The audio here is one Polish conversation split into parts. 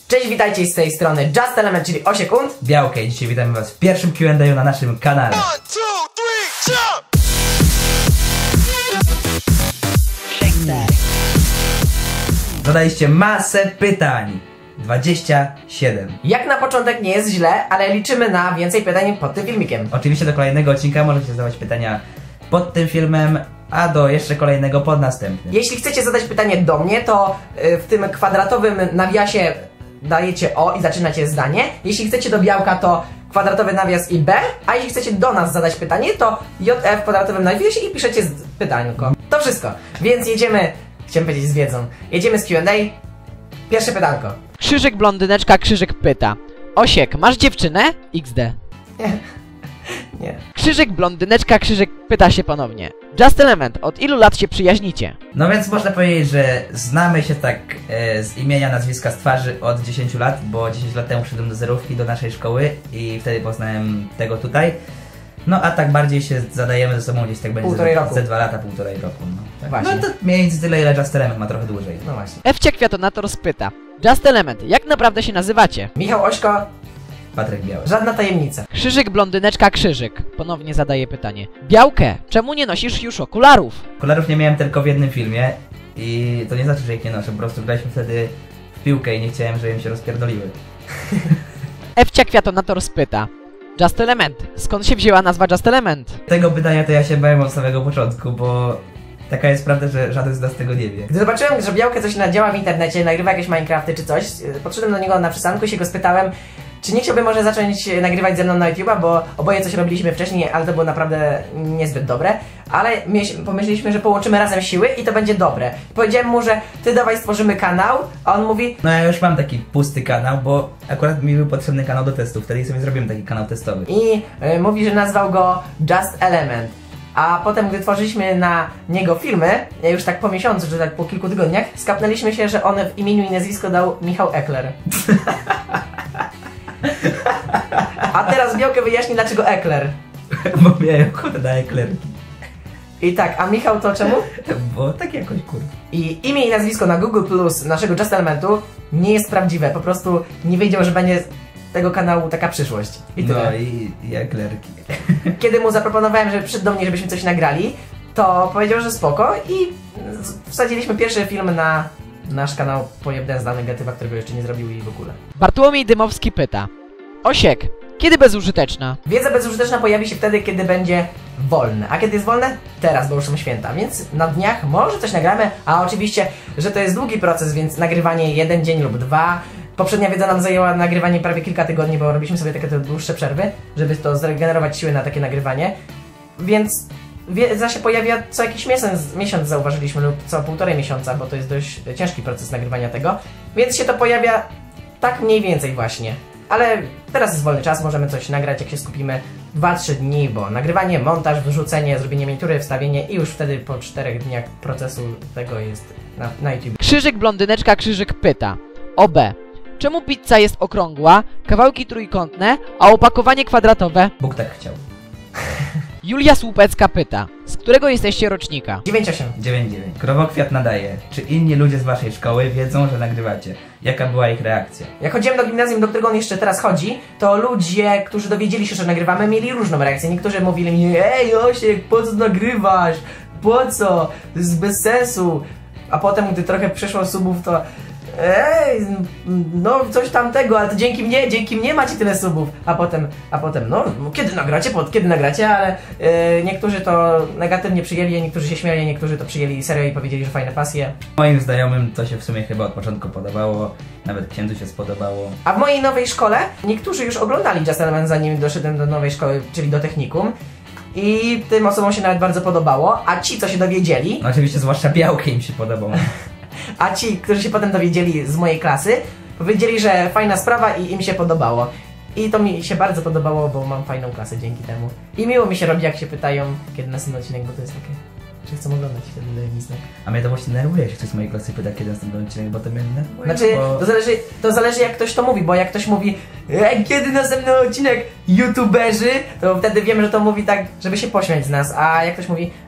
Cześć, witajcie z tej strony Just Element, czyli Osiek und Białkę. I dzisiaj witamy was w pierwszym Q&A na naszym kanale. 1, 2, 3, jump! Zadaliście masę pytań. 27. Jak na początek nie jest źle, ale liczymy na więcej pytań pod tym filmikiem. Oczywiście do kolejnego odcinka możecie zadawać pytania pod tym filmem, a do jeszcze kolejnego pod następnym. Jeśli chcecie zadać pytanie do mnie, to w tym kwadratowym nawiasie dajecie O i zaczynacie zdanie. Jeśli chcecie do Białka, to kwadratowy nawias i B, a jeśli chcecie do nas zadać pytanie, to JF w kwadratowym nawiasie i piszecie pytanko. To wszystko, więc jedziemy, chciałem powiedzieć z wiedzą, jedziemy z Q&A. Pierwsze pytanko. Krzyżyk blondyneczka, Krzyżyk pyta: Osiek, masz dziewczynę? XD. Nie. Krzyżyk blondyneczka, Krzyżyk pyta się ponownie: Just Element, od ilu lat się przyjaźnicie? No więc można powiedzieć, że znamy się tak z imienia, nazwiska, z twarzy od 10 lat, bo 10 lat temu przyszedłem do zerówki, do naszej szkoły i wtedy poznałem tego tutaj. No a tak bardziej się zadajemy ze sobą gdzieś tak będzie ze 2 lata, 1,5 roku. No, tak. Właśnie. No to mniej więcej tyle, ile Just Element ma trochę dłużej. No właśnie. Ewcia Kwiatonator spyta: Just Element, jak naprawdę się nazywacie? Michał, Ośko, Patryk Biały. żadna tajemnica. Krzyżyk blondyneczka, Krzyżyk ponownie zadaje pytanie: Białkę, czemu nie nosisz już okularów? Okularów nie miałem tylko w jednym filmie i to nie znaczy, że ich nie noszę, po prostu graliśmy wtedy w piłkę i nie chciałem, żeby im się rozpierdoliły. Ewcia Kwiatonator spyta: Just Element, skąd się wzięła nazwa Just Element? Tego pytania to ja się bałem od samego początku, bo taka jest prawda, że żaden z nas tego nie wie. Gdy zobaczyłem, że Białkę coś nadziała w internecie, nagrywa jakieś Minecrafty czy coś, podszedłem do niego na przystanku i się go spytałem, czy nie chciałby może zacząć nagrywać ze mną na YouTube'a, bo oboje coś robiliśmy wcześniej, ale to było naprawdę niezbyt dobre. Ale pomyśleliśmy, że połączymy razem siły i to będzie dobre. Powiedziałem mu, że ty dawaj stworzymy kanał, a on mówi... No ja już mam taki pusty kanał, bo akurat mi był potrzebny kanał do testów, wtedy sobie zrobiłem taki kanał testowy. I mówi, że nazwał go Just Element. A potem, gdy tworzyliśmy na niego filmy, już tak po miesiącu, czy tak po kilku tygodniach, skapnęliśmy się, że on w imieniu i nazwisko dał Michał Ekler. A teraz Białkę wyjaśni, dlaczego Ekler. Bo miałem ochotę na eklerki. I tak, a Michał to czemu? Bo tak jakoś kurwa. I imię i nazwisko na Google Plus naszego Just Elementu nie jest prawdziwe, po prostu nie wiedział, że będzie tego kanału taka przyszłość. I tyle. No i eklerki. Kiedy mu zaproponowałem, że przyszedł do mnie, żebyśmy coś nagrali, to powiedział, że spoko i wsadziliśmy pierwszy film na nasz kanał Pojebden z negatywa, którego jeszcze nie zrobił i w ogóle. Bartłomiej Dymowski pyta: Osiek, kiedy bezużyteczna? Wiedza bezużyteczna pojawi się wtedy, kiedy będzie wolne. A kiedy jest wolne? Teraz, bo już są święta, więc na dniach może coś nagramy, a oczywiście, że to jest długi proces, więc nagrywanie 1 dzień lub 2. Poprzednia wiedza nam zajęła nagrywanie prawie kilka tygodni, bo robiliśmy sobie takie dłuższe przerwy, żeby to zregenerować siły na takie nagrywanie. Więc wiedza się pojawia co jakiś miesiąc zauważyliśmy, lub co 1,5 miesiąca, bo to jest dość ciężki proces nagrywania tego. Więc się to pojawia tak mniej więcej właśnie. Ale teraz jest wolny czas, możemy coś nagrać, jak się skupimy 2-3 dni, bo nagrywanie, montaż, wyrzucenie, zrobienie miniatury, wstawienie i już wtedy po 4 dniach procesu tego jest na YouTube. Krzyżyk blondyneczka, Krzyżyk pyta: OB, czemu pizza jest okrągła, kawałki trójkątne, a opakowanie kwadratowe? Bóg tak chciał. Julia Słupecka pyta: z którego jesteście rocznika? 9-8. 9-9. Krowokwiat nadaje. Czy inni ludzie z waszej szkoły wiedzą, że nagrywacie? Jaka była ich reakcja? Jak chodziłem do gimnazjum, do którego on jeszcze teraz chodzi, to ludzie, którzy dowiedzieli się, że nagrywamy, mieli różną reakcję. Niektórzy mówili mi: ej Osiek, po co nagrywasz? Po co? To jest bez sensu. A potem, gdy trochę przyszło subów, to ej, no coś tamtego, ale to dzięki mnie macie tyle subów. A potem, no kiedy nagracie, ale niektórzy to negatywnie przyjęli, niektórzy się śmiali, niektórzy to przyjęli serio i powiedzieli, że fajne pasje. Moim znajomym to się w sumie chyba od początku podobało, nawet księdzu się spodobało. A w mojej nowej szkole niektórzy już oglądali Just Element, zanim doszedłem do nowej szkoły, czyli do technikum. I tym osobom się nawet bardzo podobało, a ci, co się dowiedzieli... No oczywiście zwłaszcza Białkę im się podobało. A ci, którzy się potem dowiedzieli z mojej klasy, powiedzieli, że fajna sprawa i im się podobało. I to mi się bardzo podobało, bo mam fajną klasę dzięki temu. I miło mi się robi, jak się pytają, kiedy następny odcinek, bo to jest takie, że chcą oglądać, wtedy daje mi znak. A mnie to właśnie nerwuje, jak ktoś z mojej klasy pyta, kiedy następny odcinek, bo to mnie nerwuje. Znaczy, bo... to zależy jak ktoś to mówi, bo jak ktoś mówi kiedy następny odcinek, youtuberzy, to wtedy wiemy, że to mówi tak, żeby się pośmiać z nas, a jak ktoś mówi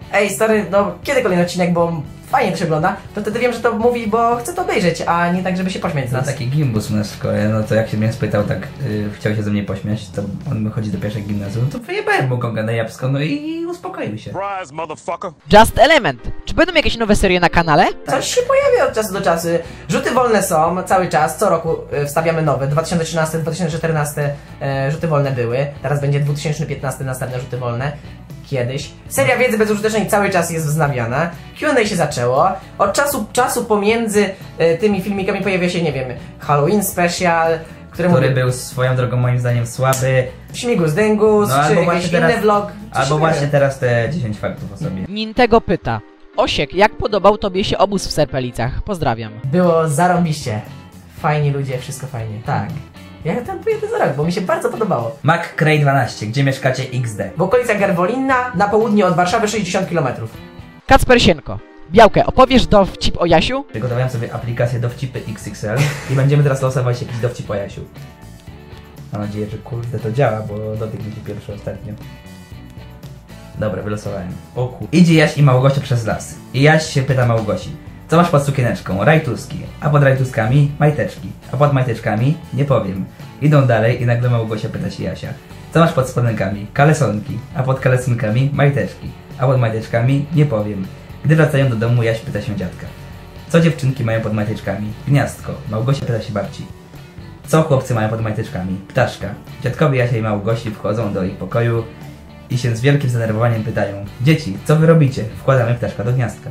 ej stary, no kiedy kolejny odcinek, bo fajnie to się ogląda, to wtedy wiem, że to mówi, bo chcę to obejrzeć, a nie tak, żeby się pośmiać z No nas. taki gimbus u nas w szkole, no to jak się mnie spytał, tak chciał się ze mnie pośmiać, to on wychodzi do pierwszej gimnazjum, no to wyjebałem mu gonga na jabłko, no i uspokoił się. Surprise, motherfucker. Just Element. Czy będą jakieś nowe serie na kanale? Coś się pojawia od czasu do czasu. Rzuty wolne są cały czas, co roku wstawiamy nowe. 2013, 2014 rzuty wolne były, teraz będzie 2015 następne rzuty wolne. Kiedyś. Seria wiedzy bezużytecznej cały czas jest wznawiana. Q&A się zaczęło. Od czasu pomiędzy tymi filmikami pojawia się, nie wiem, Halloween Special, Który był swoją drogą moim zdaniem słaby. Śmigus Dyngus, No, czy albo jakiś właśnie inny vlog. Albo właśnie teraz te 10 faktów o sobie. Nintego pyta. Osiek, jak podobał tobie się obóz w Serpelicach? Pozdrawiam. Było zarąbiście. Fajni ludzie, wszystko fajnie. Tak. Ja tam pojedę za rok, bo mi się bardzo podobało. McCray12, gdzie mieszkacie XD? W okolicach Garwolinna, na południe od Warszawy 60 km. Kacper Sienko. Białkę, opowiesz dowcip o Jasiu? Przygotowałem sobie aplikację Dowcipy XXL i będziemy teraz losować jakiś dowcip o Jasiu. Mam nadzieję, że kurde to działa, bo dotyk mi się pierwszy ostatnio. Dobra, wylosowałem. O kur... Idzie Jaś i Małgosia przez las. I Jaś się pyta Małgosi. Co masz pod sukieneczką? Rajtuski. A pod rajtuskami majteczki. A pod majteczkami nie powiem. Idą dalej i nagle Małgosia pyta się Jasia. Co masz pod spodenkami? Kalesonki. A pod kalesonkami majteczki. A pod majteczkami nie powiem. Gdy wracają do domu, Jaś pyta się dziadka. Co dziewczynki mają pod majteczkami? Gniazdko. Małgosia pyta się babci. Co chłopcy mają pod majteczkami? Ptaszka. Dziadkowie Jasia i Małgosi wchodzą do ich pokoju i się z wielkim zdenerwowaniem pytają. Dzieci, co wy robicie? Wkładamy ptaszka do gniazdka.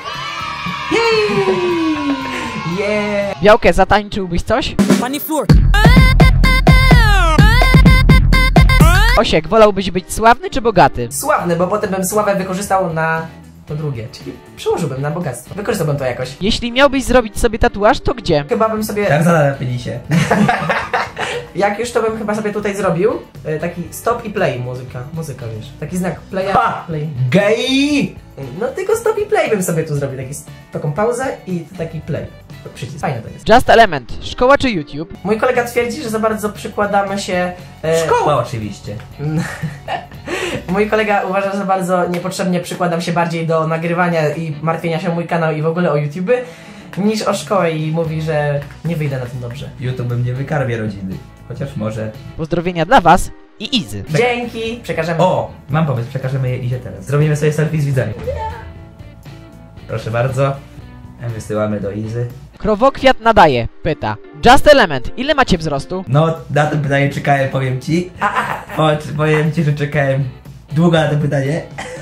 Yeah! Białkę, zatańczyłbyś coś? Osiek, wolałbyś być sławny czy bogaty? Sławny, bo potem bym sławę wykorzystał na to drugie, czyli przełożyłbym na bogactwo. Wykorzystałbym to jakoś. Jeśli miałbyś zrobić sobie tatuaż, to gdzie? Chyba bym sobie... Tak zalepili się. Jak już to bym chyba sobie tutaj zrobił, taki stop i play muzyka wiesz, taki znak playa, play. Gej! No tylko stop i play bym sobie tu zrobił, taką pauzę i taki play. Przycisk, fajne to jest. Just Element. Szkoła czy YouTube? Mój kolega twierdzi, że za bardzo przykładamy się... Szkoła oczywiście. Mój kolega uważa, że bardzo niepotrzebnie przykładam się bardziej do nagrywania i martwienia się o mój kanał i w ogóle o YouTube, niż o szkołę i mówi, że nie wyjdę na tym dobrze. YouTube mnie wykarmie rodziny. Chociaż może. Pozdrowienia dla was i Izy. Dzięki, przekażemy. O! Mam pomysł, przekażemy je Izie teraz. Zrobimy sobie selfie z widzami. Proszę bardzo. Wysyłamy do Izy. Krowokwiat nadaje. Pyta. Just Element. Ile macie wzrostu? No, na to pytanie czekałem, powiem ci. Powiem ci, że czekałem długo na to pytanie.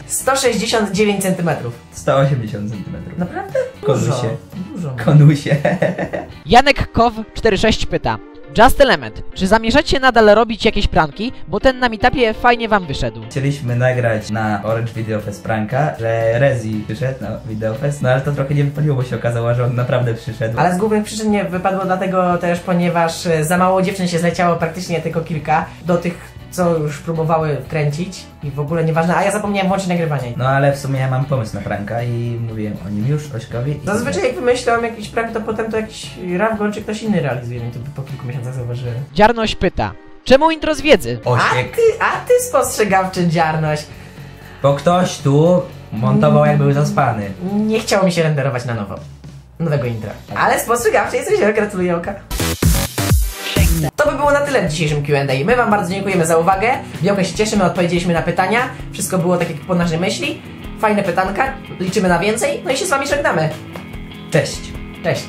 169 cm. 180 cm. Naprawdę? Konusie. Dużo. Konusie. Janek Kow 46 pyta. Just Element. Czy zamierzacie nadal robić jakieś pranki? Bo ten na meetupie fajnie wam wyszedł. Chcieliśmy nagrać na Orange Video Fest pranka, że Rezi przyszedł na Video Fest, no ale to trochę nie wypaliło, bo się okazało, że on naprawdę przyszedł. Ale z głównych przyczyn nie wypadło dlatego też, ponieważ za mało dziewczyn się zleciało, praktycznie tylko kilka, do tych, co już próbowały kręcić i w ogóle nieważne, a ja zapomniałem włączyć nagrywanie. No ale w sumie ja mam pomysł na pranka i mówiłem o nim już Ośkowi. Zazwyczaj jak wymyślam jakiś prank, to potem to jakiś Rawgon czy ktoś inny realizuje, no to po kilku miesiącach zauważyłem. Dziarnoś pyta. Czemu intro z wiedzy? Osiek. A ty spostrzegawczy dziarność. Bo ktoś tu montował jak był zaspany. Nie chciało mi się renderować na nowo. Nowego intra. Ale spostrzegawczy jesteś, gratuluję oka. To by było na tyle w dzisiejszym Q&A. My wam bardzo dziękujemy za uwagę. Białka się cieszymy, odpowiedzieliśmy na pytania. Wszystko było tak jak po naszej myśli. Fajne pytanka, liczymy na więcej. No i się z wami żegnamy. Cześć. Cześć.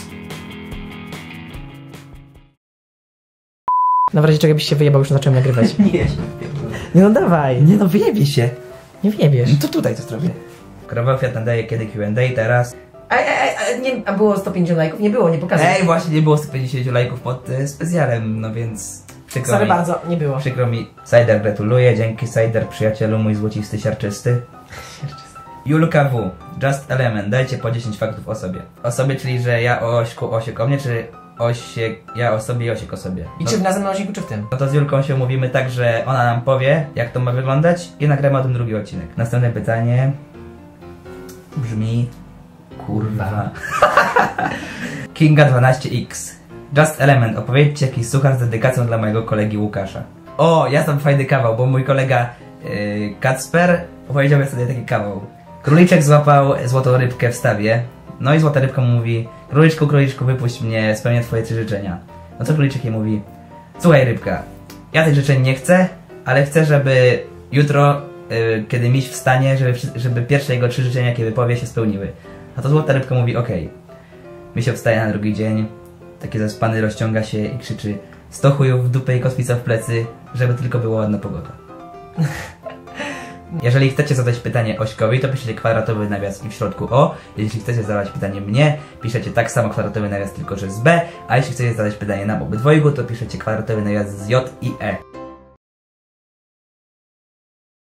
Na razie czego byś się wyjebał, już zacząłem nagrywać. Nie no dawaj. Nie no, wyjebie się. Nie wyjebiesz. No to tutaj to zrobię. Krowokwiat nadaje kiedy Q&A teraz. A było 150 lajków? Nie było, nie pokazuję. Ej, właśnie nie było 150 lajków pod specjalem, no więc przykro Sorry mi. bardzo, nie było. Przykro mi. Sajder gratuluję, dzięki Sajder przyjacielu mój złocisty siarczysty. Julka W. Just Element, dajcie po 10 faktów o sobie. O sobie, czyli że ja o Ośku, Osiek o mnie, czy Osiek, ja o sobie i Osiek o sobie. I czy w następnym odcinku, czy w tym? No to z Julką się umówimy tak, że ona nam powie, jak to ma wyglądać i nagramy o tym drugi odcinek. Następne pytanie brzmi... Kurwa. Kinga 12X. Just Element, opowiedzcie jakiś suchar z dedykacją dla mojego kolegi Łukasza. O, ja znam fajny kawał, bo mój kolega Kacper opowiedziałbym sobie taki kawał. Króliczek złapał złotą rybkę w stawie. No i złota rybka mu mówi: króliczku, króliczku, wypuść mnie, spełnię twoje 3 życzenia. No co króliczek jej mówi: słuchaj rybka, ja tych życzeń nie chcę, ale chcę, żeby jutro, kiedy miś wstanie, żeby pierwsze jego 3 życzenia, jakie wypowie, się spełniły. A to złota rybka mówi: okej. Misio wstaje na drugi dzień, taki zaspany, rozciąga się i krzyczy: 100 chujów w dupę i kotwica w plecy, żeby tylko była ładna pogoda. Jeżeli chcecie zadać pytanie Ośkowi, to piszecie kwadratowy nawias i w środku O. Jeśli chcecie zadać pytanie mnie, piszecie tak samo kwadratowy nawias, tylko że z B. A jeśli chcecie zadać pytanie nam obydwojgu, to piszecie kwadratowy nawias z J i E.